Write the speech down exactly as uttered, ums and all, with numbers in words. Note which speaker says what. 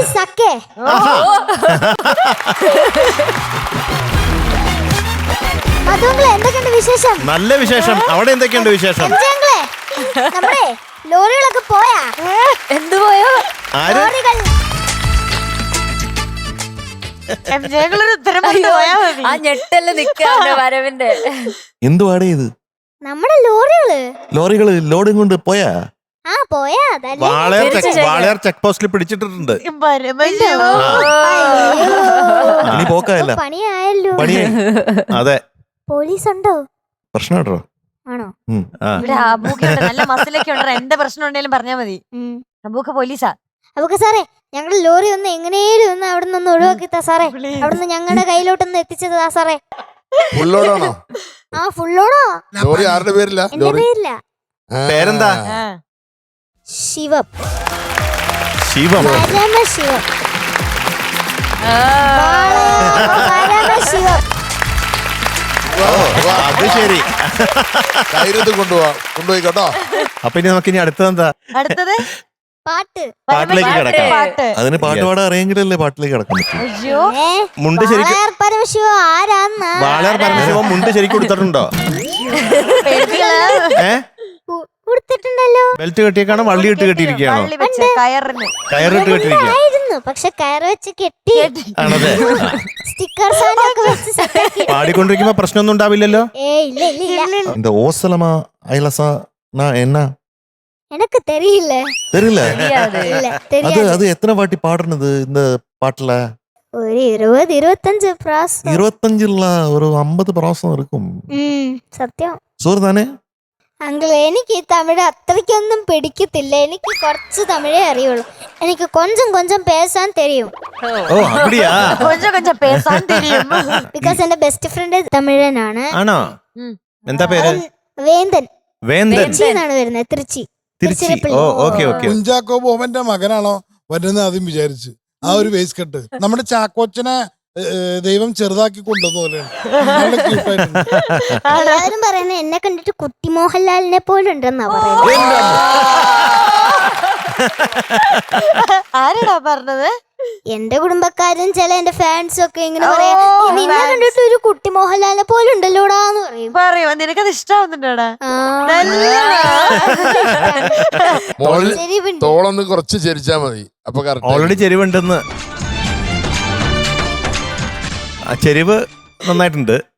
Speaker 1: സക്കേ. അതുങ്ങളെ എന്തൊക്കെയുണ്ട് വിശേഷം?
Speaker 2: നല്ല വിശേഷം. അവിടെ എന്തൊക്കെയുണ്ട് വിശേഷം?
Speaker 1: നമ്മുടെ ലോറികളൊക്കെ പോയാ?
Speaker 3: എന്ത് പോയോ?
Speaker 1: ലോറികൾ.
Speaker 3: ആ ഞെട്ടല് നിക്കാണ് വരവിന്റെ.
Speaker 4: എന്തുവാടേ ഇത്?
Speaker 1: നമ്മുടെ ലോറികള്
Speaker 4: ലോറികള് ലോഡും കൊണ്ട് പോയാ?
Speaker 1: ആ പോയാ.
Speaker 2: വാളയാർ ചെക്ക് പോസ്റ്റിൽ പിടിച്ചിട്ടുണ്ട്.
Speaker 4: ഇനി പോക്കായല്ല,
Speaker 1: പണിയായല്ലോ.
Speaker 4: പണിയായി.
Speaker 2: അതെ.
Speaker 1: പോലീസ് ഉണ്ടോ?
Speaker 4: പ്രശ്നം കേട്ടോ.
Speaker 1: ആണോ?
Speaker 3: ഇവിടെ അബൂക്കുണ്ട്, നല്ല മസിലൊക്കെ ഉണ്ട്. എന്ത് പ്രശ്നം ഉണ്ടെങ്കിലും പറഞ്ഞാ മതി. അബൂക്ക പോലീസാ.
Speaker 1: അബൂക്ക സാറേ, ഞങ്ങളുടെ ലോറി ഒന്ന് എങ്ങനെയും ഒന്ന് അവിടെ നിന്ന് ഒഴിവാക്കിത്താ സാറേ. അവിടുന്ന് ഞങ്ങളുടെ കയ്യിലോട്ടൊന്ന് എത്തിച്ചതാ സാറേ.
Speaker 5: ഫുള്ളോടാണോ?
Speaker 1: ആ ഫുള്ളോടോ.
Speaker 5: ലോറി ആരുടെ പേരില്ല?
Speaker 1: എന്റെ പേരില്ല.
Speaker 2: പേരെന്താ?
Speaker 1: ശിവം.
Speaker 2: ശിവം.
Speaker 1: പരമശിവം. പരമശിവം.
Speaker 2: അത് ശരി.
Speaker 5: ധൈര്യത്തിൽ കൊണ്ടുപോവാ കൊണ്ടുപോയി കേട്ടോ.
Speaker 2: അപ്പൊ ഇനി നമുക്ക് ഇനി അടുത്തതെന്താ?
Speaker 3: അടുത്തത്
Speaker 1: പാട്ട്.
Speaker 2: പാട്ടിലേക്ക് കിടക്കാം.
Speaker 3: പാട്ട്.
Speaker 4: അതിന് പാട്ട് പാടാൻ അറിയെങ്കിലല്ലേ പാട്ടിലേക്ക് കിടക്കാൻ പറ്റും.
Speaker 3: അയ്യോ,
Speaker 2: മുണ്ട് ശരിക്കും
Speaker 1: വാളയാർ പരമശിവം ആരാന്ന്?
Speaker 2: വാളയാർ പരമശിവം മുണ്ട് ശരിക്കും കൊടുത്തിട്ടുണ്ടോ? ഏ
Speaker 1: കൊടുത്തിട്ടുണ്ടല്ലോ.
Speaker 2: ബെൽറ്റ് കെട്ടിയേക്കാണോ വള്ളി ഇട്ട് കെട്ടിയിരിക്കുകയാണോ?
Speaker 3: വള്ളി വെച്ച് കയറിന്
Speaker 2: കയറിട്ട് കെട്ടിയിരിക്കുക
Speaker 1: ആയിരുന്നു, പക്ഷെ കയറ് വെച്ച് കെട്ടി
Speaker 2: ആണതെ.
Speaker 1: സ്റ്റിക്കർ സാധനമൊക്കെ വെച്ച് സെറ്റാക്കി.
Speaker 2: പാടിക്കൊണ്ടിരിക്കുമ്പോ പ്രശ്നമൊന്നും ഉണ്ടാവില്ലല്ലോ?
Speaker 1: ഏ ഇല്ല ഇല്ല ഇല്ല.
Speaker 4: இந்த ஓசலமா ஐலசா நான் என்ன
Speaker 1: எனக்கு தெரியல.
Speaker 4: தெரியல.
Speaker 1: இல்ல
Speaker 4: அது
Speaker 1: தெரியாது.
Speaker 4: அது எத்தனை வாட்டி பாடுனது இந்த பாட்டுல?
Speaker 1: ஒரு இருபது இருபத்தஞ்சு பிராசம்.
Speaker 4: இருபத்தஞ்சுல ஒரு ஐம்பது പ്രാസം இருக்கும்.
Speaker 1: ഉം സത്യം.
Speaker 4: സോറി താനേ.
Speaker 1: അങ്കിൾ, എനിക്ക് ഈ തമിഴ് അത്രയ്ക്കൊന്നും പിടിക്കത്തില്ല. എനിക്ക് കുറച്ച് തമിഴേ അറിയുള്ളൂ. എനിക്ക് കൊഞ്ചം കൊഞ്ചം പേസാൻ തെരിയും.
Speaker 2: ഓ അപ്പടിയാ?
Speaker 3: കൊഞ്ചം കൊഞ്ചം പേസാൻ തെരിയും.
Speaker 1: ബിക്കോസ് എന്റെ ബെസ്റ്റ് ഫ്രണ്ട് തമിഴനാണ്.
Speaker 2: ആണോ? എന്താ പേര്?
Speaker 1: വേന്തൻ.
Speaker 2: വേന്തൻ.
Speaker 1: തിരുച്ചി എന്നാണ് വരുന്നത്. Trichy.
Speaker 2: Trichy. Oh okay okay.
Speaker 5: Kunchacko ബോബന്റെ മകനാണോ വരുന്നത് ആദ്യം വിചാരിച്ചു. ആ ഒരു വേസ് കെട്ട് നമ്മുടെ ചാക്കോച്ചനെ ദൈവം ചെറുതാക്കി കൊണ്ടുവന്ന
Speaker 1: എല്ലാവരും പറയുന്നത് എന്നെ കണ്ടിട്ട് കുട്ടി മോഹൻലാലിനെ പോലെ ഉണ്ടെന്നാ പറയുന്നത്.
Speaker 3: ആരാടാ പറഞ്ഞത്?
Speaker 1: എന്റെ കുടുംബക്കാരും ചില എന്റെ ഫാൻസും ഒക്കെ ഇങ്ങനെ പറയാ, നിന്നെ കണ്ടിട്ട് ഒരു കുട്ടി മോഹൻലാലിനെ പോലെ ഉണ്ടല്ലോടാന്ന് പറയും.
Speaker 3: പറയോ, നിനക്കത് ഇഷ്ടാവുന്നുണ്ടോടാ?
Speaker 5: തോളൊന്ന് കുറച്ച് ചരിച്ചാ മതി. അപ്പൊ
Speaker 2: ഓൾറെഡി ചെരിവുണ്ടെന്ന്. ആ ചെരിവ് നന്നായിട്ടുണ്ട്.